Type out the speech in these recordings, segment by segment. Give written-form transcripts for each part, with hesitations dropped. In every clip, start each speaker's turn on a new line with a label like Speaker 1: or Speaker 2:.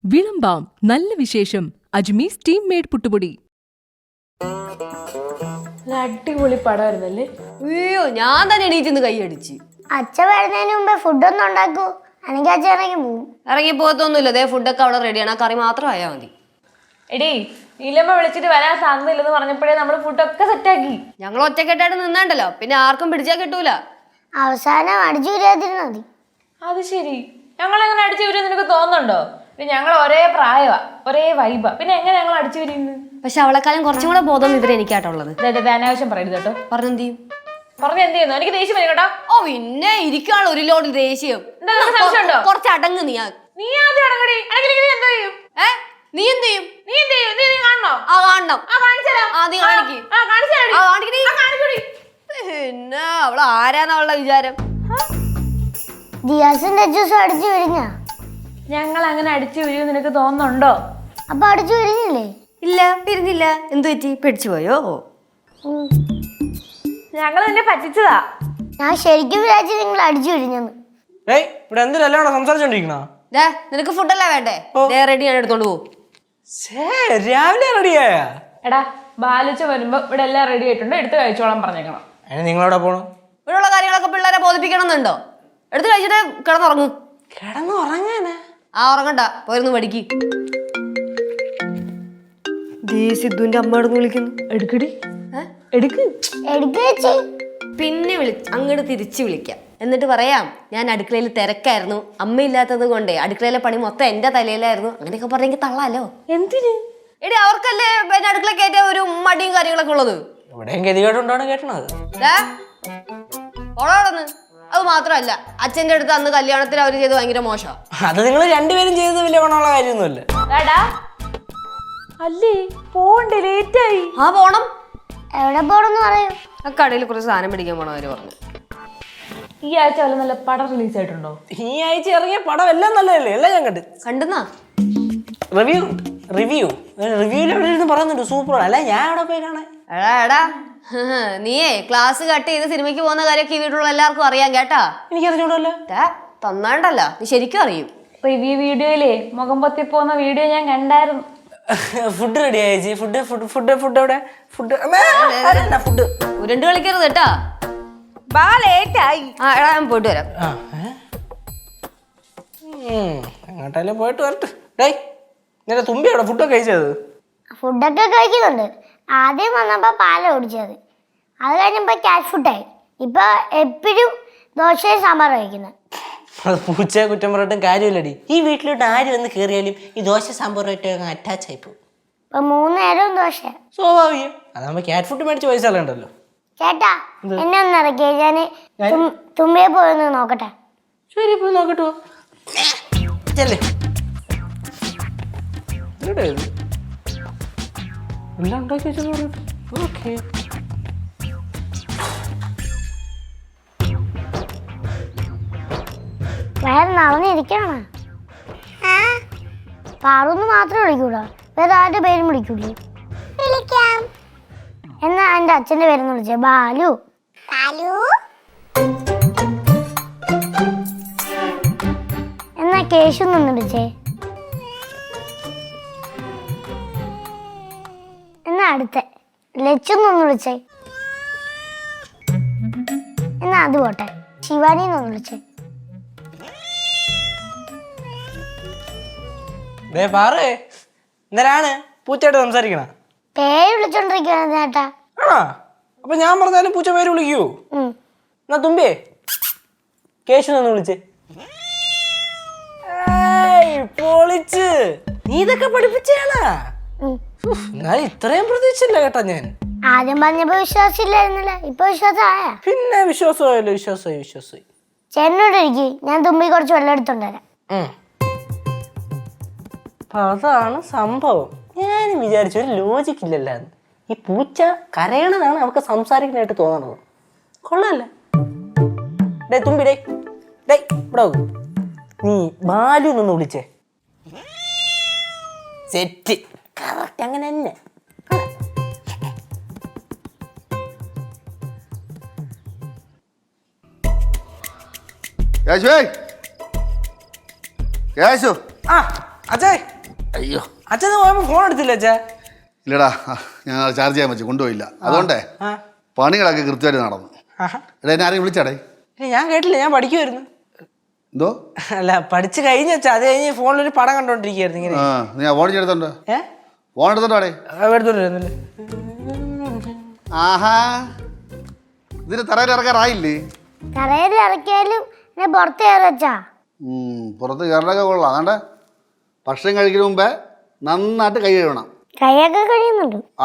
Speaker 1: വിളമ്പാം നല്ല വിശേഷം അജ്മീസ് team made പുട്ടുപൊടി.
Speaker 2: അടിപൊളി പടമായിരുന്നല്ലേ?
Speaker 3: അയ്യോ, ഞാൻ തന്നെ എണീറ്റ് കൈയടിച്ച്.
Speaker 4: അച്ഛൻ വരുന്നതിന് മുമ്പേ ഫുഡൊന്നും ഉണ്ടാക്കൂ, അല്ലെങ്കിൽ അച്ഛൻ ഇറങ്ങി പോവും.
Speaker 3: ഇറങ്ങി പോകത്തൊന്നുമില്ല, അതേ ഫുഡൊക്കെ അവിടെ റെഡിയാണ്, ആ കറി മാത്രം ആയാൽ മതി.
Speaker 2: എടീ, നീലമ്മ വിളിച്ചിട്ട് വരാൻ സാധ്യതയില്ലെന്ന് പറഞ്ഞപ്പോഴേ നമ്മള് ഫുഡൊക്കെ സെറ്റാക്കി.
Speaker 3: ഞങ്ങൾ ഒറ്റക്കെട്ടായിട്ട് നിന്നാണ്ടല്ലോ, പിന്നെ ആർക്കും പിടിച്ചാൽ കിട്ടൂല.
Speaker 4: അവസാനം അടിച്ചു വരാതിരുന്നാ മതി.
Speaker 2: അത് ശരി, ഞങ്ങളെങ്ങനെ അടിച്ചു വരും നിനക്ക് തോന്നുന്നുണ്ടോ? ഞങ്ങൾ ഒരേ പ്രായമാ, ഒരേ വൈബാ, പിന്നെ എങ്ങനെ ഞങ്ങൾ അടിച്ചു വരുന്നു?
Speaker 3: പക്ഷെ അവളെക്കാലം കുറച്ചും കൂടെ ബോധം ഇവരെ എനിക്കായിട്ടുള്ളത്.
Speaker 2: അനാവശ്യം പറയരുത് കേട്ടോ.
Speaker 3: പറഞ്ഞെന്ത് ചെയ്യും?
Speaker 2: പറഞ്ഞ എന്ത് ചെയ്യുന്നു? എനിക്ക് ദേഷ്യം വരും കേട്ടോ.
Speaker 3: ഓ പിന്നെ ഇരിക്കാണ് ഒരു ലോഡ് ദേഷ്യം. കുറച്ച് അടങ്ങ് നീ.
Speaker 2: നീ ആദ്യം അടങ്ങടി. എന്താ ചെയ്യും?
Speaker 3: നീ എന്ത് ചെയ്യും?
Speaker 2: നീ എന്ത് ചെയ്യും? നീ കാണണോ?
Speaker 3: ആ കാണണം. പിന്നെ അവള് ആരാന്ന് അവളുടെ വിചാരം?
Speaker 4: ജിയാസിന്റെ ജ്യൂസ് അടിച്ചു വിരിഞ്ഞാ?
Speaker 2: ഞങ്ങൾ അങ്ങനെ അടിച്ചു വരും നിനക്ക് തോന്നുന്നുണ്ടോ?
Speaker 4: അപ്പൊ അടിച്ചു വിരിഞ്ഞില്ലേ?
Speaker 3: ഇല്ല, പിരിഞ്ഞില്ല. എന്തു പറ്റി? പേടിച്ചു പോയോ?
Speaker 2: ഞങ്ങൾ നിന്നെ പറ്റിച്ചതാ.
Speaker 4: ഞാൻ ശരിക്കും വിചാരിച്ചു നിങ്ങൾ അടിച്ചു വിരിഞ്ഞെന്ന്.
Speaker 5: ഇവിടെ എന്തിനല്ല സംസാരിച്ചോണ്ടിരിക്കണ?
Speaker 3: നിനക്ക് ഫുഡല്ലേ വേണ്ടേ? റെഡി ആണ്, എടുത്തോണ്ട് പോകും.
Speaker 5: രാവിലെ റെഡിയായ?
Speaker 2: എടാ, ബാലിച്ച വരുമ്പോ ഇവിടെ എല്ലാം റെഡി ആയിട്ടുണ്ട്, എടുത്ത് കഴിച്ചോളാൻ പറഞ്ഞേക്കണം.
Speaker 5: നിങ്ങളവിടെ പോണം?
Speaker 3: ഇവിടെയുള്ള കാര്യങ്ങളൊക്കെ പിള്ളേരെ ബോധിപ്പിക്കണം എന്നുണ്ടോ? എടുത്ത് കഴിച്ചിട്ട് കിടന്നുറങ്ങ്.
Speaker 5: കിടന്നുറങ്ങാനാ?
Speaker 3: ആ, ഉറങ്ങണ്ട, പോയിരുന്നു പഠിക്ക്. സിദ്ധുവിന്റെ അമ്മ എടുന്ന് വിളിക്കുന്നു.
Speaker 2: എടുക്കടി, എടുക്ക്.
Speaker 3: പിന്നെ അങ്ങോട്ട് തിരിച്ചു വിളിക്കാം. എന്നിട്ട് പറയാം, ഞാൻ അടുക്കളയിൽ തിരക്കായിരുന്നു, അമ്മയില്ലാത്തത് കൊണ്ടേ അടുക്കളയിലെ പണി മൊത്തം എന്റെ തലയിലായിരുന്നു. അങ്ങനെയൊക്കെ പറഞ്ഞെങ്കിൽ തള്ളാലോ.
Speaker 2: എന്തിന്?
Speaker 3: എടി, അവർക്കല്ലേ പിന്നെ അടുക്കള കയറ്റ ഒരു മടിയും കാര്യങ്ങളൊക്കെ ഉള്ളത്.
Speaker 5: ഇവിടെയും ഗതികേട്ടുണ്ടാണ് കേട്ടണത്.
Speaker 3: ഓളോടന്ന് അത് മാത്രമല്ല, അച്ഛന്റെ അടുത്ത് അന്ന് കല്യാണത്തിന് അവര് ചെയ്ത് ഭയങ്കര മോശം.
Speaker 5: അത് നിങ്ങൾ രണ്ടുപേരും ചെയ്തത് വലിയ ഗുണമുള്ള കാര്യമൊന്നുമല്ല.
Speaker 2: അല്ലേ, പോണ്ടേ, ലേറ്റായി.
Speaker 3: ആ, പോണം.
Speaker 4: എവിടെ പോണെന്ന് പറയൂ.
Speaker 3: ആ കടയിൽ കുറച്ച് സാധനം പിടിക്കാൻ പോണം അവര് പറഞ്ഞു.
Speaker 2: ഈ ആഴ്ച വല്ല നല്ല പടം റിലീസ് ആയിട്ടുണ്ടോ?
Speaker 5: ഈ ആഴ്ച ഇറങ്ങിയ പടം എല്ലാം നല്ലതല്ലേ? എല്ലാം ഞാൻ
Speaker 3: കണ്ടെന്നാ
Speaker 5: റിവ്യൂല് പറയുന്നുണ്ട് സൂപ്പർ. അല്ല, ഞാൻ അവിടെ പോയി കാണാൻ.
Speaker 3: എടാ നീയേ ക്ലാസ് കട്ട് ചെയ്ത് സിനിമയ്ക്ക് പോകുന്ന കാര്യമൊക്കെ ഈ വീട്ടിലുള്ള എല്ലാവർക്കും അറിയാം കേട്ടാ.
Speaker 5: എനിക്കറിഞ്ഞൂടല്ലോ.
Speaker 3: തന്നാണ്ടല്ല, നീ ശരിക്കും അറിയും.
Speaker 2: റിവ്യൂ വീഡിയോയിലേ മുഖം പൊത്തി പോകുന്ന വീഡിയോ ഞാൻ കണ്ടായിരുന്നു.
Speaker 5: ഫുഡ് റെഡി ആയി. ഫുഡ് എവിടെ? ഫുഡ്
Speaker 3: ഉരുണ്ട് കളിക്കരുത് കേട്ടാ. എടാ, ഞാൻ പോയിട്ട് വരാം.
Speaker 5: എങ്ങോട്ടായാലും പോയിട്ട് വരട്ടെ. ഡേയ്, നിന്റെ തുമ്പി അവിടെ ഫുഡൊക്കെ കഴിച്ചത്?
Speaker 4: ഫുഡൊക്കെ കഴിക്കുന്നുണ്ട്. ആദ്യം വന്നപ്പോ പാല ഓടിച്ചത്, അത് കഴിഞ്ഞപ്പോ ക്യാറ്റ് ഫുഡായി. ഇപ്പൊ എപ്പോഴും ദോശയും സാമ്പാറും കഴിക്കുന്നത്.
Speaker 5: അത് പൂച്ചയെ കുറ്റം പറഞ്ഞിട്ടും കാര്യമില്ലടി. ഈ വീട്ടിലോട്ട് ആര് വന്ന് കയറിയാലും ഈ ദോശ സാമ്പാറുമായിട്ട് അറ്റാച്ച് ആയി പോകും.
Speaker 4: ഇപ്പൊ 3 നേരവും ദോശ.
Speaker 5: സ്വാഭാവികം. അതാകുമ്പോ ക്യാറ്റ് ഫുഡ് മേടിച്ച് പൈസ കളയണ്ടല്ലോ.
Speaker 4: ചേട്ടാ, എന്നെ ഒന്ന് ഇറക്കിയ ഞാന് തുമ്പിയെ പോയൊന്ന് നോക്കട്ടെ.
Speaker 5: ശരി, പോയി നോക്കട്ടോ. എല്ലാം ഉണ്ടാക്കി വെച്ചു. ഓക്കെ,
Speaker 4: വേറെ നടന്നിരിക്കണ പാറൊന്ന് മാത്രമേ വിളിക്കൂടാ, വേറെ ആരുടെ പേരും വിളിക്കൂലേ? വിളിക്കാം. എന്നാ എന്റെ അച്ഛന്റെ പേരെന്ന് വിളിച്ചേ, ബാലു. എന്നാ കേശു നിന്ന് വിളിച്ചേ. എന്നാ അടുത്ത ലച്ചു നിന്ന് വിളിച്ചേ. എന്നാ അത് പോട്ടെ, ശിവാനി നിന്ന് വിളിച്ചേ.
Speaker 5: എന്തിനാണ് പൂച്ചയായിട്ട് സംസാരിക്കണ?
Speaker 4: പേര് വിളിച്ചോണ്ടിരിക്കുകയാണ് ചേട്ടാ.
Speaker 5: ആണോ? അപ്പൊ ഞാൻ പറഞ്ഞാലും പൂച്ച പേര് വിളിക്കൂ? എന്നാ തുമ്പിയേ കേശു നിന്ന് വിളിച്ചേ. പൊളിച്ച്. നീ ഇതൊക്കെ പഠിപ്പിച്ചാണ്. ഇത്രയും പ്രതീക്ഷിച്ചില്ല കേട്ടാ ഞാൻ.
Speaker 4: ആദ്യം പറഞ്ഞപ്പോ വിശ്വാസമില്ലായിരുന്നല്ലേ, ഇപ്പൊ വിശ്വാസമായ?
Speaker 5: പിന്നെ വിശ്വാസമായല്ലോ. വിശ്വാസമായി.
Speaker 4: ചേട്ടനോട് ഇരിക്കും, ഞാൻ തുമ്പി കുറച്ച് വെള്ളം എടുത്തോണ്ടരാം.
Speaker 5: അതാണ് സംഭവം. ഞാൻ വിചാരിച്ചു ഒരു ലോജിക്ക് ഇല്ലല്ലോ. ഈ പൂച്ച കരയണതാണ് അവർക്ക് സംസാരിക്കാനായിട്ട് തോന്നണത്. കൊള്ളാല്ലേ? ഡേ തുമ്പി, ഡേ ഇവിടെ നീ ബാലു നിന്ന് വിളിച്ചേ. സെറ്റ്, കറക്റ്റ്, അങ്ങനെ തന്നെ.
Speaker 6: കേശു
Speaker 5: അച്ഛേ
Speaker 6: അയ്യോ
Speaker 5: അച്ഛൻ പോയപ്പോ ഫോൺ എടുത്തില്ല അച്ഛാ.
Speaker 6: ഇല്ലടാ, ഞാൻ ചാർജ് ചെയ്യാൻ വെച്ചു കൊണ്ടുപോയില്ല. അതുകൊണ്ടേ പണികളൊക്കെ കൃത്യമായിട്ട് നടന്നു. എടാ എന്നെ ആരെയും വിളിച്ചാടേ?
Speaker 5: ഞാൻ കേട്ടില്ല, ഞാൻ പഠിക്കുമായിരുന്നു.
Speaker 6: എന്തോ?
Speaker 5: അല്ല പഠിച്ചു കഴിഞ്ഞ അച്ഛാ, അത് കഴിഞ്ഞ് ഫോണിലൊരു പടം കണ്ടോണ്ടിരിക്കുകയായിരുന്നു ഇങ്ങനെ.
Speaker 6: നീ ഫോൺ എടുത്തോണ്ടോ? ഫോൺ എടുത്തോണ്ടോടെ?
Speaker 5: എടുത്തോണ്ടിരുന്നില്ല.
Speaker 6: ആഹാ, ഇതിന് തറയിൽ ഇറക്കാറായില്ലേ?
Speaker 4: തറയിൽ ഇറക്കിയാലും എന്നെ പുറത്ത് കയറി വെച്ചാ.
Speaker 6: പുറത്ത് കയറലൊക്കെ കൊള്ളാം. അതാണ്ട് ഭക്ഷണം കഴിക്കുന്ന മുമ്പേ നന്നായിട്ട് കൈ കഴുകണം.
Speaker 4: കൈയൊക്കെ കഴിയുന്നുണ്ട്.
Speaker 6: ആ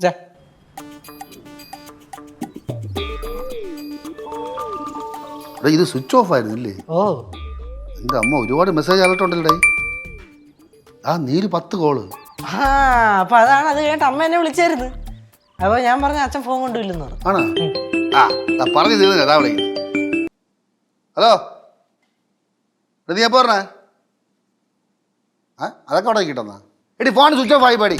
Speaker 6: ഇത് സ്വിച്ച് ഓഫ് ആയിരുന്നു ഇല്ലേ?
Speaker 5: ഓ
Speaker 6: എൻ്റെ അമ്മ ഒരുപാട് മെസ്സേജ് അലർട്ടുണ്ടല്ലേ. ആ നീര് 10 കോള്.
Speaker 5: അപ്പൊ അതാണ്. അത് കേട്ട് അമ്മ എന്നെ വിളിച്ചായിരുന്നു. അപ്പൊ ഞാൻ പറഞ്ഞ അച്ഛൻ ഫോൺ കൊണ്ടുപോയില്ലെന്ന് പറഞ്ഞു.
Speaker 6: ആണ്. പറഞ്ഞു തീർന്നില്ല, അതാ വിളിക്കുന്നത്. ഹലോ, നീ എപ്പോ പറഞ്ഞേ? അതൊക്കെ അവിടെ കിട്ടുന്ന എടി ഫോൺ സ്വിച്ച് ഓഫ് ആയി പാടി.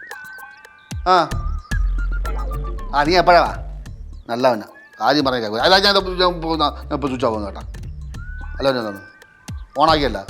Speaker 6: നീ എപ്പോഴാ നല്ലവനാ ആദ്യം പറഞ്ഞ കേൾക്കും. അല്ല ഞാൻ ഇപ്പോൾ സ്വിച്ച് ഓഫ് ആവുന്നു കേട്ടാ. ഹലോ ഞാൻ തന്നു ഓണാക്കിയല്ല.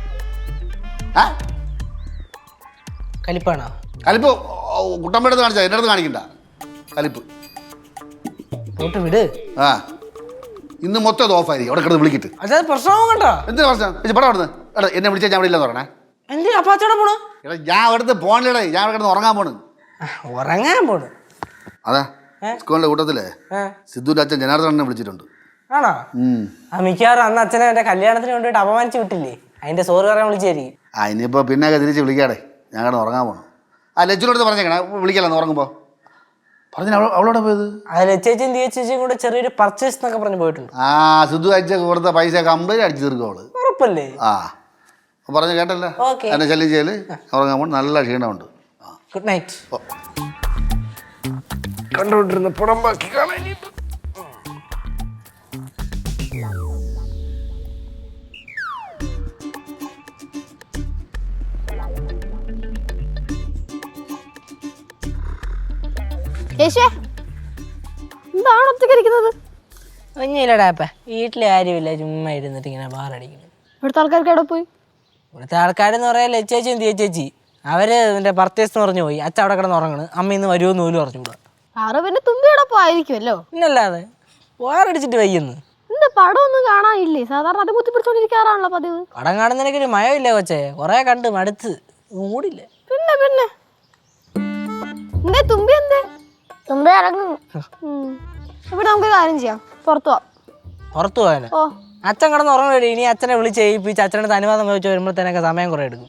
Speaker 5: കലിപ്പാണോ?
Speaker 6: കലിപ്പ് കുട്ടമ്മയുടെ അടുത്ത് കാണിച്ചാൽ എൻ്റെ അടുത്ത് കാണിക്കണ്ട കലിപ്പ്.
Speaker 5: പോട്ട് വിട്.
Speaker 6: ഇന്ന് മൊത്തം അത് ഓഫായിരിക്കും. അവിടെ കിടന്ന് വിളിക്കിട്ട്
Speaker 5: അച്ഛാ പ്രശ്നവും കണ്ടോ?
Speaker 6: എന്തിനാ പ്രശ്നം? പടം അവിടുന്ന് എടാ എന്നെ വിളിച്ചാൽ ഞാൻ ഇവിടെ ഇല്ലെന്ന് പറഞ്ഞേ.
Speaker 5: എന്തിനാ അപ്പൊ അച്ഛടെ പോണു?
Speaker 6: എടാ ഞാൻ അവിടുത്തെ പോണില്ലടേ, ഞാൻ അവിടെ കിടന്ന് ഉറങ്ങാൻ പോണ്.
Speaker 5: ഉറങ്ങാൻ പോണു?
Speaker 6: അതെ, സ്കൂളിന്റെ കൂട്ടത്തിലെ സിദ്ധുവിന്റെ അച്ഛൻ ജനാർദ്ദനെ വിളിച്ചിട്ടുണ്ട്.
Speaker 5: ആണോ? മിക്കവാറും അന്ന് അച്ഛനെ എന്റെ കല്യാണത്തിന് വേണ്ടിയിട്ട് അപമാനിച്ചു വിട്ടില്ലേ, അതിന്റെ സോറി പറയാൻ വിളിച്ചായിരിക്കും.
Speaker 6: ഇനിയിപ്പോ പിന്നെയൊക്കെ തിരിച്ച് വിളിക്കാടേ, ഞാൻ കിടന്ന് ഉറങ്ങാൻ പോണം. ലച്ചുവിനടുത്ത് പറഞ്ഞേക്കണേ വിളിക്കലെന്ന് ഉറങ്ങുമ്പോ. പറഞ്ഞു അവളോടെ പോയത്?
Speaker 5: ലച്ചേച്ചും ചേച്ചിയും കൂടെ ചെറിയൊരു പർച്ചേസ് എന്നൊക്കെ പറഞ്ഞു പോയിട്ടുണ്ട്.
Speaker 6: സിദ്ധു അയച്ച കൊടുത്ത പൈസ കംപ്ലീറ്റ് അടിച്ചു തീർക്കും അവള്.
Speaker 5: ഉറപ്പല്ലേ?
Speaker 6: പറഞ്ഞു കേട്ടല്ലേ. എന്നെ ശല്യം ചെയ്യല്, ഉറങ്ങാൻ പോണം. നല്ല ക്ഷീണമുണ്ട്.
Speaker 5: Good night.
Speaker 6: കണ്ടോണ്ടിരുന്ന പടം ബാക്കി കാണാൻ.
Speaker 2: എന്താണ് ഒറ്റയ്ക്ക് ഇരിക്കുന്നത്?
Speaker 5: ഒന്നുമില്ലടാപ്പ, വീട്ടിലെ ആരുമില്ല, ചുമ്മാ ഇരുന്നിട്ട് ഇങ്ങനെ ബാറടിക്കുന്നു.
Speaker 2: ഇവിടുത്തെ ആൾക്കാർക്ക് എവിടെ പോയി?
Speaker 5: ഇവിടുത്തെ ആൾക്കാരെന്ന് പറയാൻ ലച്ചേച്ചിയും ചേച്ചി അവര് എന്റെ പർച്ചേസ് എന്ന് പറഞ്ഞു പോയി. അച്ഛൻ അവിടെ കിടന്ന് ഉറങ്ങണ്. അമ്മ ഇന്ന് വരുമോന്ന് പോലും പറഞ്ഞുകൂടാ.
Speaker 2: ആറ് പിന്നെ തുമ്പി എവിടെ പോയിരിക്കുമല്ലോ.
Speaker 5: പിന്നല്ലാതെ വാറടിച്ചിട്ട് വയ്യെന്ന്.
Speaker 2: എന്താ പടം ഒന്നും കാണാനില്ലേ? സാധാരണ അത് കുത്തിപ്പിടിച്ചോണ്ടിരിക്കാറാണല്ലോ പതിവ്.
Speaker 5: പടം കാണുന്നതിനൊരു മയമില്ല കൊച്ചേ, കൊറേ കണ്ട് മടുത്ത് മൂടില്ല.
Speaker 2: പിന്നെ എന്തേ തുമ്പി എന്തേ?
Speaker 4: തുമ്പി ഇറങ്ങും.
Speaker 2: ഇവിടെ നമുക്ക് കാര്യം ചെയ്യാം, പുറത്തു പോവാം.
Speaker 5: പുറത്തു പോകാനോ? അച്ഛൻ കിടന്ന് ഉറങ്ങണേ. ഇനി അച്ഛനെ വിളിച്ച് ഏൽപ്പിച്ച് അച്ഛനടുത്ത് അനുവാദം ചോദിച്ചു വരുമ്പോഴത്തേനൊക്കെ സമയം കുറെ എടുക്കും.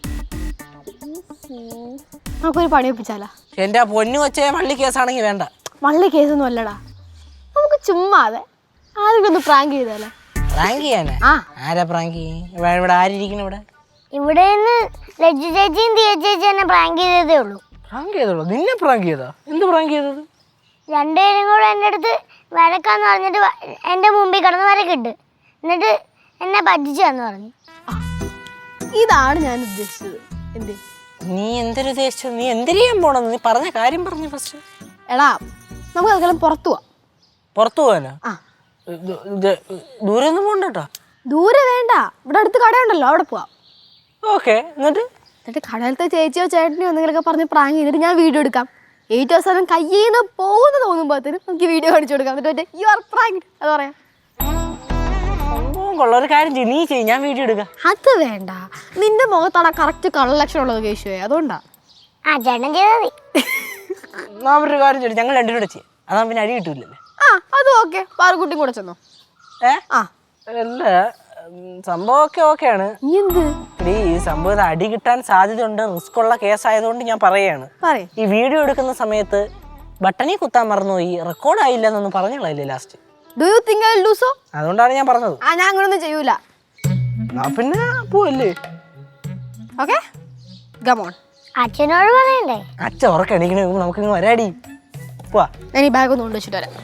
Speaker 2: നമുക്കൊരു പണി ഒപ്പിച്ചാലാ?
Speaker 5: എന്റെ പൊന്നു കൊച്ചേ, മള്ളി കേസാണെങ്കിൽ വേണ്ട.
Speaker 2: മള്ളി കേസൊന്നും അല്ലടാ, നമുക്ക് ചുമ്മാതെ ആരെങ്കിലും ഒന്ന് പ്രാങ്ക് ചെയ്താലോ?
Speaker 5: പ്രാങ്ക് ചെയ്യാനാ? ആരാ പ്രാങ്ക്? ഇവിടെ ആരിയിരിക്കണം?
Speaker 4: ഇവിടെ നിന്ന് ലജ്ജു ചേച്ചിയും ദിയ ചേച്ചി എന്നെ പ്രാങ്ക് ചെയ്തതേ ഉള്ളൂ.
Speaker 5: പ്രാങ്ക് ചെയ്തോളൂ? നിന്നെ പ്രാങ്ക് ചെയ്താ? എന്ത് പ്രാങ്ക് ചെയ്തത്?
Speaker 4: രണ്ടുപേരും കൂടെ എൻ്റെ അടുത്ത് വരക്കാന്ന് പറഞ്ഞിട്ട് എൻ്റെ മുമ്പിൽ കിടന്ന് വരക്കിട്ട് എന്നിട്ട് എന്നെ പറ്റിച്ചാന്ന് പറഞ്ഞു.
Speaker 2: ഇതാണ് ഞാൻ ഉദ്ദേശിച്ചത്. എന്തേ
Speaker 5: നീ എന്തൊരു ഉദ്ദേശിച്ചു? നീ എന്തിനാൻ പോണെന്ന് നീ പറഞ്ഞ കാര്യം പറഞ്ഞു ഫസ്റ്റ്.
Speaker 2: എടാ നമുക്ക് അതെല്ലാം പുറത്തു പോവാം.
Speaker 5: പുറത്തു പോകാനോ? ദൂരെ ഒന്നും പോകണ്ടോ?
Speaker 2: ദൂരെ വേണ്ട, ഇവിടെ അടുത്ത് കടയുണ്ടല്ലോ, അവിടെ പോവാം.
Speaker 5: ഓക്കെ. എന്നിട്ട്
Speaker 2: കടയിലത്തെ ചേച്ചിയോ ചേട്ടനെയോ എന്തെങ്കിലുമൊക്കെ പറഞ്ഞ് പ്രാങ്ക് ചെയ്തിട്ട് ഞാൻ വീഡിയോ എടുക്കാം. ഏറ്റവും അവസാനം കയ്യിൽ നിന്ന് പോകുന്ന തോന്നുമ്പോഴത്തേനും നമുക്ക് വീഡിയോ കാണിച്ചു കൊടുക്കാം. എന്നിട്ട് യു ആർ പ്രാങ്ക് അത് പറയാം.
Speaker 5: കൊള്ള ഒരു കാര്യം ചെയ്യും, നീ ചെയ്യും, ഞാൻ വീഡിയോ എടുക്കാം.
Speaker 2: അത് വേണ്ട, നിന്റെ മുഖത്താണ് കറക്റ്റ് കളർ ലക്ഷണം ഉള്ളത് കേശുവേ, അതുകൊണ്ടാ.
Speaker 4: ചേട്ടൻ ചെയ്താൽ മതി.
Speaker 5: ഒരു കാര്യം ചെയ്യും, ഞങ്ങൾ രണ്ടുപേരും കൂടെ ചെയ്യാം. അതാ പിന്നെ അടി കിട്ടൂലല്ലേ.
Speaker 2: അത് ഓക്കെ. പാറക്കുട്ടിയും കൂടെ ചെന്നോ?
Speaker 5: അല്ല സംഭവമൊക്കെ ഓക്കെയാണ്. ഈ സംഭവം അടി കിട്ടാൻ സാധ്യതയുണ്ട്, റിസ്ക് ഉള്ള കേസായതുകൊണ്ട് ഞാൻ പറയാണ്. ഈ വീഡിയോ എടുക്കുന്ന സമയത്ത് ബട്ടണിൽ കുത്താൻ മറന്നുപോയി, റെക്കോർഡ് ആയില്ല എന്നൊന്നും പറഞ്ഞില്ലേ ലാസ്റ്റ്. അതുകൊണ്ടാണ് ഞാൻ പറഞ്ഞത്.
Speaker 2: ഞാൻ അങ്ങനൊന്നും ചെയ്യൂല.
Speaker 5: പിന്നെ പോവല്ലേ?
Speaker 2: Okay come on.
Speaker 4: അച്ഛനോട് പറയണ്ടേ?
Speaker 5: അച്ഛൻ ഉറക്കണിക്കണ നമുക്ക് വരാടി. പോവാ.
Speaker 2: ഞാൻ ഈ ബാഗ് ഒന്ന് കൊണ്ടുവച്ചിട്ട് വരാം.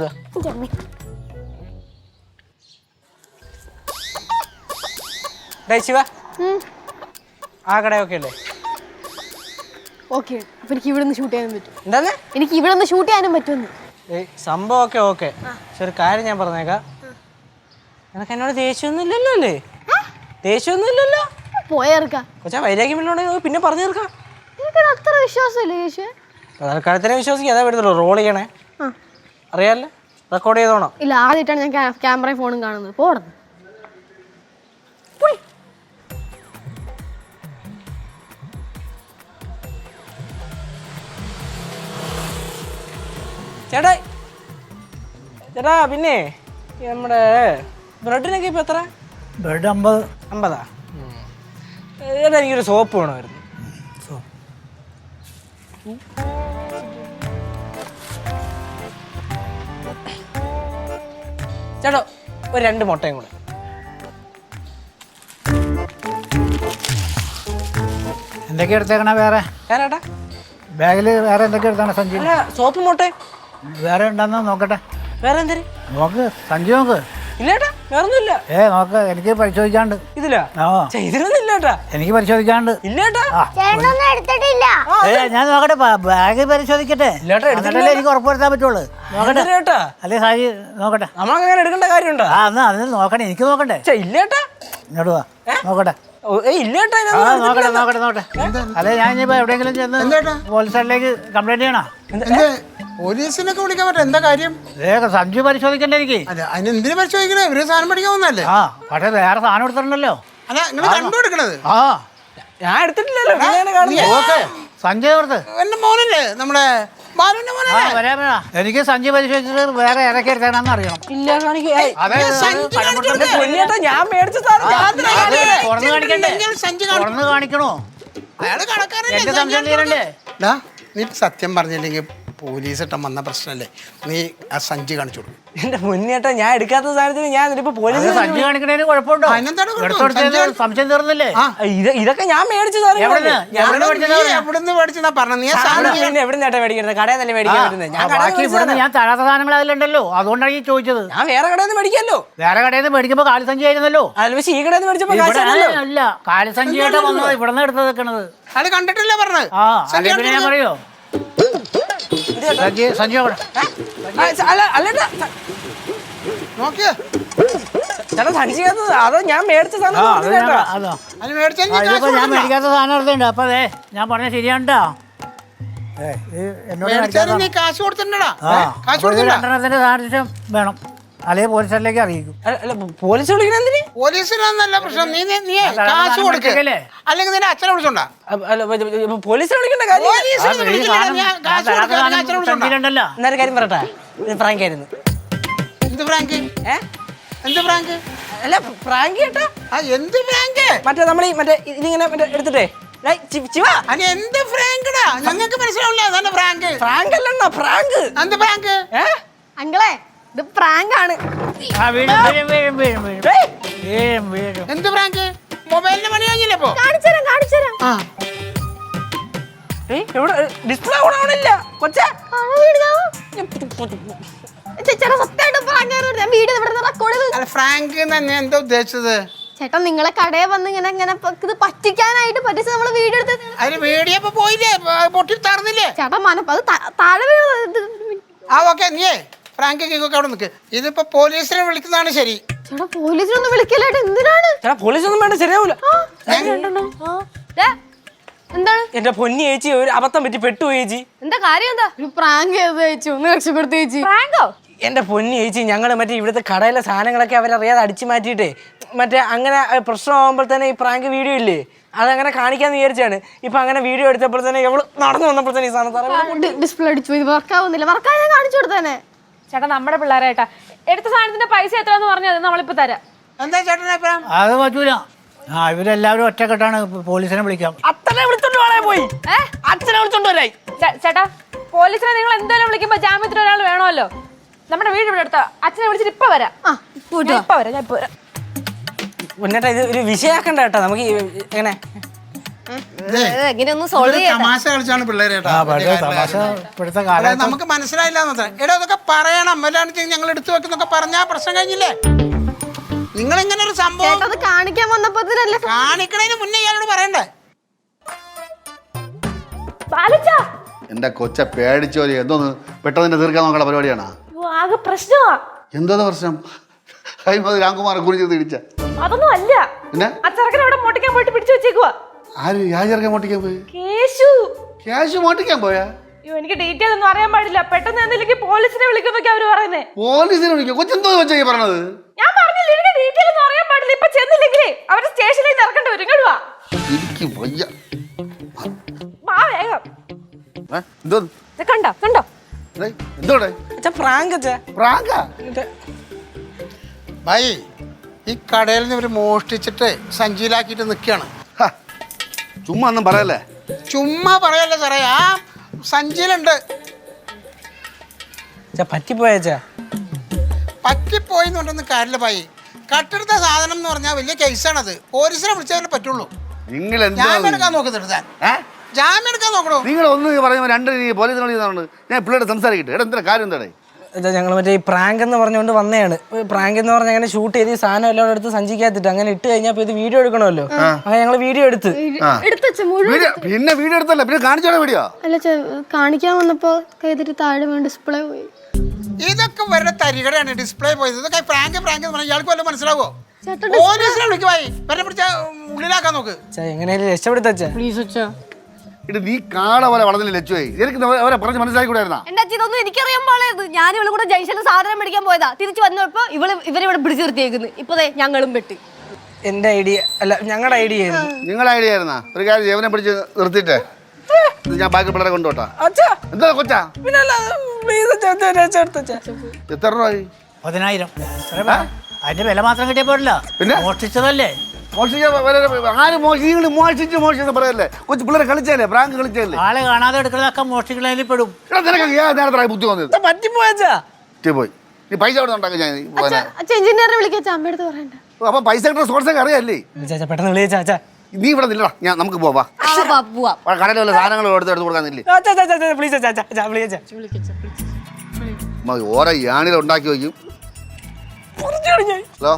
Speaker 5: ശിവ, ആ കടയൊക്കെ അല്ലേ?
Speaker 2: ഓക്കെ. അപ്പൊ എനിക്ക് ഇവിടെ നിന്ന് ഷൂട്ട് ചെയ്യാനും പറ്റും.
Speaker 5: എന്താന്ന്?
Speaker 2: എനിക്ക് ഇവിടെ നിന്ന് ഷൂട്ട് ചെയ്യാനും പറ്റുമെന്ന്.
Speaker 5: സംഭവമൊക്കെ ഓക്കെ. പക്ഷെ ഒരു കാര്യം ഞാൻ പറഞ്ഞേക്കാം, നിനക്ക് എന്നോട് ദേഷ്യമൊന്നും ഇല്ലല്ലോ അല്ലേ? ദേഷ്യമൊന്നും ഇല്ലല്ലോ?
Speaker 2: പോയേർക്കാം.
Speaker 5: കൊച്ചാ വൈരാഗ്യം ഉണ്ടെങ്കിൽ പിന്നെ പറഞ്ഞു തീർക്കാം.
Speaker 2: എനിക്കത് അത്ര വിശ്വാസമില്ല യേശുവേ.
Speaker 5: തൽക്കാലത്തിനെ വിശ്വസിക്കുക. അതാ വരുന്നുള്ളൂ. റോൾ ചെയ്യണേ അറിയാമല്ലോ. റെക്കോർഡ് ചെയ്തോണം.
Speaker 2: ഇല്ല, ആദ്യമായിട്ടാണ് ഞാൻ ക്യാമറയും ഫോണും കാണുന്നത്. പോടുന്നു
Speaker 5: ചേട്ടാ ചേട്ടാ പിന്നെ നമ്മുടെ ബ്രെഡിനൊക്കെ ഇപ്പം എത്ര?
Speaker 7: ബ്രെഡ് 50.
Speaker 5: 50? ചേട്ടാ എനിക്കൊരു സോപ്പ് വേണമായിരുന്നു. ചേട്ടാ ഒരു 2 മുട്ടയും കൂടെ.
Speaker 7: എന്തൊക്കെ എടുത്തേക്കണ വേറെ?
Speaker 5: ചേട്ടാ
Speaker 7: ബാഗിൽ വേറെ എന്തൊക്കെ എടുത്താണ് സഞ്ജു?
Speaker 5: അല്ല സോപ്പ് മുട്ട
Speaker 7: വേറെ ഉണ്ടെന്ന് നോക്കട്ടെ.
Speaker 5: വേറെ എന്തേലും
Speaker 7: നോക്ക് സഞ്ജു നോക്ക്.
Speaker 5: ഇല്ലേട്ടാ വേറൊന്നുമില്ല.
Speaker 7: നോക്ക്, എനിക്ക് പരിശോധിക്കാണ്ട്.
Speaker 5: ഇതിലാ? ഇതിലൊന്നും ഇല്ലേട്ടാ.
Speaker 7: എനിക്ക് പരിശോധിക്കാണ്ട്.
Speaker 5: ഇല്ലേട്ടാ.
Speaker 4: ചേട്ടനൊന്നും എടുത്തിട്ടില്ല.
Speaker 7: ഞാൻ നോക്കട്ടെ, ബാഗ് പരിശോധിക്കട്ടെ. എന്നിട്ടല്ലേ എനിക്ക് ഉറപ്പുവരുത്താൻ പറ്റുള്ളൂ. നോക്കട്ടെ
Speaker 5: ഇല്ലേട്ടാ.
Speaker 7: അല്ലേ സാജി നോക്കട്ടെ.
Speaker 5: നമ്മളങ്ങനെ എടുക്കേണ്ട കാര്യമുണ്ടോ?
Speaker 7: എന്നാ അതിന് നോക്കണേ, എനിക്ക് നോക്കണ്ടേ.
Speaker 5: ഇല്ലേട്ടാ.
Speaker 7: ഇങ്ങോട്ട് വാ നോക്കട്ടെ.
Speaker 5: ഇല്ലേട്ടാ.
Speaker 7: നോക്കട്ടെ നോക്കട്ടെ നോക്കട്ടെ. അല്ലെ ഞാൻ ഇനിയിപ്പോ എവിടെയെങ്കിലും ചെന്ന് പോലീസ് സ്റ്റേഷനിലേക്ക് കംപ്ലൈന്റ് ചെയ്യണോ?
Speaker 8: പോലീസിനൊക്കെ വിളിക്കാൻ പറ്റും. എന്താ കാര്യം?
Speaker 7: സഞ്ജു പരിശോധിക്കണ്ടേ എനിക്ക്?
Speaker 8: അല്ല അതിന് എന്തിനു പരിശോധിക്കണേ? ഇവര് സാധനം പഠിക്കാൻ വന്നല്ലേ?
Speaker 7: പക്ഷെ വേറെ സാധനം എടുത്തിട്ടുണ്ടല്ലോ.
Speaker 8: അല്ല നിങ്ങൾ കണ്ടുപിടിക്കണത്.
Speaker 5: ഞാൻ എടുത്തിട്ടില്ലല്ലോ.
Speaker 7: സഞ്ജയ് ഓർത്ത്
Speaker 8: എന്റെ മോനല്ലേ, നമ്മുടെ ബാലുവിന്റെ മോനല്ലേ?
Speaker 7: എനിക്ക് സഞ്ജയ് പരിശോധിച്ചിട്ട് വേറെ ഏതൊക്കെ എടുത്തേക്കണെന്ന് അറിയണം.
Speaker 5: ഇല്ല ഞാൻ മേടിച്ച
Speaker 7: തുറന്നു കാണിക്കണ്ടേ? തുറന്നു കാണിക്കണോ?
Speaker 8: അയാള് കടക്കാരല്ലേ?
Speaker 7: എന്റെ സംശയം തീരണ്ടേ?
Speaker 8: നീ സത്യം പറഞ്ഞില്ലെങ്കിൽ പോലീസ് ഇട്ടം വന്ന പ്രശ്നമല്ലേ? നീ ആ സഞ്ചി കാണിച്ചു കൊടുക്കും.
Speaker 5: എന്റെ മുന്നേട്ടാ ഞാൻ എടുക്കാത്ത സാധനത്തിന് ഞാൻ ഇപ്പൊ പോലീസ്
Speaker 7: സഞ്ജു കാണിക്കണേന് കുഴപ്പമുണ്ടോ? സംശയം തീർന്നില്ലേ?
Speaker 5: ഇതൊക്കെ ഞാൻ മേടിച്ച
Speaker 8: എവിടുന്ന് മേടിച്ചാ പറഞ്ഞ? നീ സാധനം
Speaker 5: എവിടുന്നേട്ടാ മേടിക്കുന്നത്? കടയിൽ തന്നെ മേടിക്കാൻ പറ്റുന്നത്.
Speaker 7: ബാക്കി ഇവിടുന്ന് ഞാൻ തരാത്ത സാധനങ്ങൾ അതിലുണ്ടല്ലോ, അതുകൊണ്ടാണ് ഈ ചോദിച്ചത്.
Speaker 5: ഞാൻ വേറെ കടയിൽ നിന്ന് മേടിക്കാമല്ലോ.
Speaker 7: വേറെ കടയിൽ നിന്ന് മേടിക്കുമ്പോ കാലിസഞ്ചി ആയിരുന്നല്ലോ.
Speaker 5: അല്ല പക്ഷേ ഈ കടയിൽ നിന്ന് മേടിച്ചപ്പോ
Speaker 7: അല്ല, കാലിസഞ്ചിയായിട്ട് വന്നത് ഇവിടെ നിന്ന് എടുത്ത് വെക്കണത്.
Speaker 8: അത് കണ്ടിട്ടില്ല പറഞ്ഞത്.
Speaker 7: പിന്നെ ഞാൻ പറയോ സഞ്ജു
Speaker 8: നോക്കിയ
Speaker 5: ചേട്ടാ സഞ്ചിക്കകത്ത് അതോ ഞാൻ മേടിച്ച സാധനം
Speaker 7: ഞാൻ മേടിക്കാത്ത സാധനം എടുത്തുണ്ട്. അപ്പൊ അതെ ഞാൻ പറഞ്ഞ ശരിയാണ്ടാ. എന്നോട്
Speaker 8: നീ കാശ് കൊടുത്തിട്ടുണ്ടോ?
Speaker 7: രണ്ടെണ്ണത്തിന്റെ സാദൃശ്യം വേണം, അല്ലെങ്കിൽ പോലീസ് സ്റ്റേഷനിലേക്ക് അറിയിക്കും.
Speaker 5: പോലീസ് വിളിക്കണെന്തിന്?
Speaker 8: പോലീസിനൊന്നല്ല പ്രശ്നം. നീ കാശ് കൊടുക്കല്ലേ, അല്ലെങ്കിൽ നിന്റെ അച്ഛനെ വിളിച്ചോണ്ടാ?
Speaker 5: പോലീസിനെ വിളിക്കേണ്ട കാര്യം
Speaker 7: ഉണ്ടല്ലോ.
Speaker 5: കാര്യം പറയട്ടെ. ഫ്രാങ്ക് ആയിരുന്നു.
Speaker 8: എന്ത് ഫ്രാങ്ക്? എന്ത് ഫ്രാങ്ക്?
Speaker 5: അല്ല ഫ്രാങ്ക് കേട്ടാ.
Speaker 8: എന്ത് ഫ്രാങ്ക്?
Speaker 5: മറ്റേ നമ്മൾ മറ്റേ ഇതിങ്ങനെ മറ്റേ എടുത്തിട്ടേ
Speaker 8: എന്ത് ഫ്രാങ്ക്ടാ? ഞങ്ങൾക്ക് മനസ്സിലാവില്ല. ഫ്രാങ്ക്
Speaker 5: ഫ്രാങ്ക് അല്ലണ്ണ ഫ്രാങ്ക്.
Speaker 8: എന്ത് ഫ്രാങ്ക്?
Speaker 2: അങ്കിളെ, ഇത് പ്രാങ്ക് ആണ്.
Speaker 8: എന്ത് ഫ്രാങ്ക്? മൊബൈലിന് പണി കഴിഞ്ഞില്ലേ ഇപ്പൊ?
Speaker 2: കാണിച്ചുതരാം.
Speaker 5: എവിടെ ഡിസ്പ്ലേ ഓണാവണില്ല കൊച്ചേ.
Speaker 8: ഫ്രാങ്ക് തന്നെ എന്താ ഉദ്ദേശിച്ചത്?
Speaker 2: ചേട്ടാ നിങ്ങളെ കടയിൽ വന്ന് ഇങ്ങനെ ഇത് പറ്റിക്കാനായിട്ട് പറ്റിച്ച് നമ്മള് വീഡിയോ എടുത്ത്.
Speaker 8: അതിന് വീഡിയോ ഇപ്പൊ പോയില്ലേ? പൊട്ടി തറന്നില്ലേ?
Speaker 2: ചേട്ടാ മനപ്പ് അത് താഴെ വീണത്.
Speaker 8: ഓക്കെ നീയേ ഫ്രാങ്ക് കേക്കൊക്കെ അവിടെ നിൽക്ക്. ഇതിപ്പോ പോലീസിനെ വിളിക്കുന്നതാണ് ശരി.
Speaker 2: ചേട്ടാ പോലീസിനൊന്നും വിളിക്കലായിട്ട് എന്തിനാണ്?
Speaker 5: ചേട്ടാ പോലീസ് ഒന്നും വേണ്ട, ശരിയാവൂല.
Speaker 2: എന്താണ്?
Speaker 5: എന്റെ പൊന്നി ചേച്ചി ഒരു അബദ്ധം പറ്റി പെട്ടു ചേച്ചി.
Speaker 2: എന്താ കാര്യം? എന്താ ഒരു പ്രാങ്ക് ചെയ്ത് ചേച്ചി? ഒന്ന് രക്ഷപ്പെടുത്തി ചേച്ചി. പ്രാങ്കോ?
Speaker 5: എന്റെ പൊന്നി ചേച്ചി ഞങ്ങള് മറ്റേ ഇവിടുത്തെ കടയിലെ സാധനങ്ങളൊക്കെ അവരറിയാതെ അടിച്ചു മാറ്റിയിട്ടേ മറ്റേ അങ്ങനെ പ്രശ്നമാകുമ്പോൾ തന്നെ ഈ പ്രാങ്ക് വീഡിയോ ഇല്ലേ അതങ്ങനെ കാണിക്കാന്ന് വിചാരിച്ചാണ്. ഇപ്പൊ അങ്ങനെ വീഡിയോ എടുത്തപ്പോൾ തന്നെ എവള് നടന്നു വന്നപ്പോൾ തന്നെ ഈ സാധനം
Speaker 2: ഡിസ്പ്ലേ അടിച്ചു. ഇത് വർക്കാവുന്നില്ല. വർക്കായി ഞാൻ കാണിച്ചു കൊടുത്തേനെ.
Speaker 9: ചേട്ടാ നമ്മുടെ പിള്ളേരായിട്ടാ എടുത്ത സാധനത്തിന്റെ പൈസ എത്രയാന്ന് പറഞ്ഞത് നമ്മളിപ്പോ തരാം.
Speaker 8: എന്താ ചേട്ടനെ
Speaker 7: അത് പറ്റൂല. ഇവരെല്ലാവരും ഒറ്റക്കെട്ടാണ് പോലീസിനെ വിളിക്കാം.
Speaker 5: അച്ഛനെ വിളിച്ചോണ്ട് പോയി. അച്ഛനെ വിളിച്ചോണ്ട് വരായി.
Speaker 9: ചേട്ടാ പോലീസിനെ നിങ്ങൾ എന്തായാലും വിളിക്കുമ്പോ ജാമ്യത്തിന് ഒരാൾ വേണമല്ലോ. നമ്മുടെ വീട് ഇവിടെ അടുത്ത അച്ഛനെ വിളിച്ചിട്ട് ഇപ്പൊ വരാം. ഇപ്പൊ വരാം. ഞാൻ ഇപ്പൊ വരാം.
Speaker 5: മുന്നേട്ടാ ഇത് ഒരു വിഷയാക്കണ്ട കേട്ടോ. നമുക്ക് എങ്ങനെ
Speaker 3: എങ്ങനെയൊന്നും സോൾവ് ചെയ്യാം.
Speaker 8: തമാശ കളിച്ചാണ് പിള്ളേരെ. നമുക്ക് മനസ്സിലായില്ല. എടാ അതൊക്കെ പറയണം. അല്ലാണ്ട് ഞങ്ങൾ എടുത്തു വെക്കുന്നൊക്കെ പറഞ്ഞാ പ്രശ്നം കഴിഞ്ഞില്ലേ? നിങ്ങൾ ഇങ്ങനെ ഒരു സംഭവം
Speaker 2: അത് കാണിക്കാൻ വന്നപ്പോ
Speaker 8: കാണിക്കണതിന് മുന്നേ ഇയാളോട് പറയണ്ടേ?
Speaker 6: എന്റെ കൊച്ച പേടിച്ചോലി എന്തോന്ന് പെട്ടെന്ന് തീർക്കാൻ നോക്കണ പരിപാടിയാണ്.
Speaker 9: ആകെ പ്രശ്നമാ.
Speaker 6: എന്തോന്ന് പ്രശ്നം? രാംകുമാർ കുറിച്ച് തിരിച്ച
Speaker 9: അതൊന്നും അല്ല.
Speaker 6: പിന്നെ
Speaker 9: ആ ചെറുക്കനെ ഇവിടെ മോട്ടിക്കാൻ പോയിട്ട് പിടിച്ചു വെച്ചേക്കുവാ.
Speaker 6: ആര് യാചർക്കാൻ മോട്ടിക്കാൻ പോയി?
Speaker 9: കേശു.
Speaker 6: ക്യാഷ് മോട്ടിക്കാൻ പോയാ?
Speaker 9: അയ്യോ എനിക്ക് ഡീറ്റെയിൽ ഒന്നും അറിയാൻ പാടില്ല. പെട്ടെന്ന് എന്തെങ്കിലും പോലീസിനെ വിളിക്കുന്നൊക്കെ അവര് പറയുന്നേ.
Speaker 6: പോലീസിനെ വിളിക്കും? കൊച്ചെന്തോ വെച്ചാ ഈ പറഞ്ഞത്?
Speaker 9: ഞാൻ പറഞ്ഞില്ല എനിക്ക് ഡീറ്റെയിൽ ഒന്നും അറിയാൻ പാടില്ല. ഇപ്പൊ ചെന്നില്ലെങ്കിലേ അവര് സ്റ്റേഷനിൽ ഇറക്കേണ്ടി വരും. ഇങ്ങോട്ട് വാ.
Speaker 6: എനിക്ക് വയ്യ.
Speaker 9: വാ വേഗം.
Speaker 6: എന്തോ
Speaker 9: കണ്ടോ കണ്ടോ
Speaker 6: എന്തോടെ
Speaker 5: അച്ഛാ പ്രാങ്ക് അച്ഛാ.
Speaker 6: പ്രാങ്കാ?
Speaker 8: ഭായി ഈ കടയിൽ നിന്ന് ഇവർ മോഷ്ടിച്ചിട്ട് സഞ്ചിയിലാക്കിയിട്ട് നിൽക്കുകയാണ്.
Speaker 6: ഹ, ചുമ്മാ ഒന്നും പറയല്ലേ.
Speaker 8: ചുമ്മാ പറയല്ലേ സാറേ, ആ സഞ്ചിയിലുണ്ട്.
Speaker 5: അച്ഛാ പറ്റിപ്പോയച്ചാ.
Speaker 8: പറ്റിപ്പോയി എന്ന് പറഞ്ഞൊന്നും കാര്യമില്ല ഭായി. കട്ടെടുത്ത സാധനം എന്ന് പറഞ്ഞാൽ വലിയ കേസാണത്. പോലീസിനെ വിളിച്ചാലേ പറ്റുള്ളൂ.
Speaker 6: നിങ്ങൾ
Speaker 8: ജാമ്യം എടുക്കാൻ നോക്കുന്നുണ്ട് താൻ. ജാമ്യം എടുക്കാൻ നോക്കണോ?
Speaker 6: നിങ്ങൾ ഒന്ന് പറയുമ്പോൾ രണ്ട് പോലീസിനെ വിളിക്കുന്നുണ്ട്. ഞാൻ പിള്ളേരുടെ സംസാരിക്കട്ടെ. എടാ എന്താ കാര്യം എന്താടേ?
Speaker 5: ഞങ്ങൾ മറ്റേ ഈ പ്രാങ്ക് എന്ന് പറഞ്ഞുകൊണ്ട് വന്നതാണ്. പ്രാങ്ക് എന്ന് പറഞ്ഞാൽ അങ്ങനെ ഷൂട്ട് ചെയ്ത് ഈ സാധനം എല്ലാം എടുത്ത് സഞ്ചിക്കാത്തിട്ട് അങ്ങനെ ഇട്ട് കഴിഞ്ഞാൽ ഇത് വീഡിയോ എടുക്കണമല്ലോ. അങ്ങനെ ഞങ്ങൾ വീഡിയോ എടുത്ത്
Speaker 6: പിന്നെ വീഡിയോ എടുത്തല്ല, പിന്നെ കാണിച്ചോടെ വീഡിയോ?
Speaker 2: അല്ല കാണിക്കാൻ വന്നപ്പോ കൈതിട്ട് താഴെ വീണ് ഡിസ്പ്ലേ പോയി.
Speaker 8: ഇതൊക്കെ വരുടെ തരികടയാണ്. ഡിസ്പ്ലേ പോയത്. ഇതൊക്കെ പ്രാങ്ക് പ്രാങ്ക് എന്ന് പറഞ്ഞാൽ ഇയാൾക്ക് വല്ലതും മനസ്സിലാവോ? പോലീസിനെ വിളിക്കുവായി വരെ പിടിച്ച ഉള്ളിലാക്കാൻ നോക്ക്.
Speaker 5: എങ്ങനെയാലും രക്ഷപ്പെടുത്തച്ചാ.
Speaker 2: പ്ലീസ് അച്ഛാ.
Speaker 6: ഇത് നീ കാട പോലെ വളർന്നില്ല ലച്ചുവായി. എനിക്ക് അവരെ പറഞ്ഞ് മനസ്സിലാക്കിക്കൂടായിരുന്നാ?
Speaker 3: എന്റെ അച്ഛൻ ഇതൊന്നും എനിക്കറിയാൻ പാടില്ലായിരുന്നു. ഞാൻ ഇവള് കൂടെ ജംഗ്ഷനിൽ സാധനം മേടിക്കാൻ പോയതാ. തിരിച്ചു വന്നപ്പോ ഇവരിവിടെ പിടിച്ചു നിർത്തിയേക്കുന്നു. ഇപ്പൊ ഞങ്ങളും പെട്ടി.
Speaker 5: എന്റെ ഐഡിയ അല്ല, ഞങ്ങളുടെ ഐഡിയ ആയിരുന്നു.
Speaker 6: നിങ്ങളുടെ ഐഡിയ ആയിരുന്നാ? ഒരു കാര്യം ജീവനെ പിടിച്ച് നിർത്തിയിട്ടേ ഞാൻ ബാക്കി പിള്ളേരെ കൊണ്ടുപോട്ടാ. എന്താ കൊച്ചാ? എത്ര രൂപ?
Speaker 7: 10,000. അതിന്റെ വില മാത്രം കിട്ടിയ പോരല്ല,
Speaker 6: പിന്നെ
Speaker 7: മോഷ്ടിച്ചതല്ലേ.
Speaker 6: ആര് മോഷിച്ച് പറയല്ലേ? കൊച്ചു പിള്ളേരെ കളിച്ചല്ലേ, പ്രാങ്ക് കളിച്ചല്ലേ?
Speaker 7: ആളെ കാണാതെ എടുക്കുന്നതൊക്കെ മോഷ്ടിക്കുന്നതിൽ പെടും.
Speaker 6: നേരത്തെ ബുദ്ധി വന്നത്
Speaker 5: പറ്റിപ്പോയച്ചാ.
Speaker 6: പോയി. നീ പൈസ അവിടെ ഉണ്ടാക്കി ഞാൻ
Speaker 2: എഞ്ചിനീയറെ വിളിക്കാച്ച അമ്മയടുത്ത് പറയണ്ട.
Speaker 6: അപ്പൊ പൈസ കിട്ടുന്ന സോഴ്സൊക്കെ അറിയാല്ലേ?
Speaker 5: ചാച്ചാ പെട്ടെന്ന് വിളിച്ചാ.
Speaker 6: നീ ഇവിടെ നില്ലടാ, ഞാൻ നമുക്ക് പോവാ. കടയിൽ വല്ല സാധനങ്ങൾ എടുത്ത് കൊടുക്കാന്നില്ലേ? ഓരോ യാണിൽ ഉണ്ടാക്കി വയ്ക്കും. ഹലോ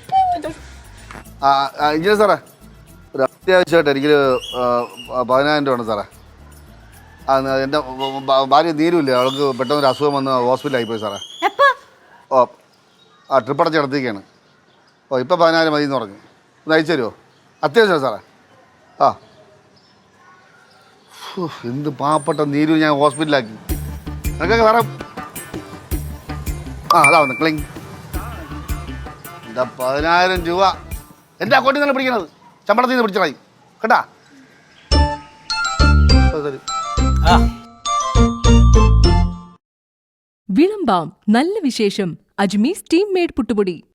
Speaker 6: എഞ്ചിനീയർ സാറേ, ഒരു അത്യാവശ്യമായിട്ട് എനിക്കൊരു 10,000 രൂപ ഉണ്ട് സാറേ. എൻ്റെ ഭാര്യ നീരുമില്ലേ, അവൾക്ക് പെട്ടെന്നൊരു അസുഖം വന്ന് ഹോസ്പിറ്റലായിപ്പോയി സാറേ. ഓ ട്രിപ്പ് അടച്ച് കിടത്തിയൊക്കെയാണ്. ഇപ്പം 10,000 മതി എന്ന് പറഞ്ഞു. ഒന്ന് അയച്ചു തരുമോ? അത്യാവശ്യമാണ് സാറേ. എന്ത് പാവപ്പെട്ട നീരു ഞാൻ ഹോസ്പിറ്റലാക്കി. നിനക്കൊക്കെ സാറേ അതാ വന്ന് ക്ലിങ്. എന്താ 10,000 രൂപ എൻ്റെ അക്കൗണ്ടിൽ നിന്നല്ല പിടിക്കണത്, ശമ്പളത്തിൽ നിന്ന് പിടിച്ചതായി കേട്ടാ.
Speaker 1: വിളമ്പാം നല്ല വിശേഷം അജ്മി സ്റ്റീം മെയ്ഡ് പുട്ടുപൊടി.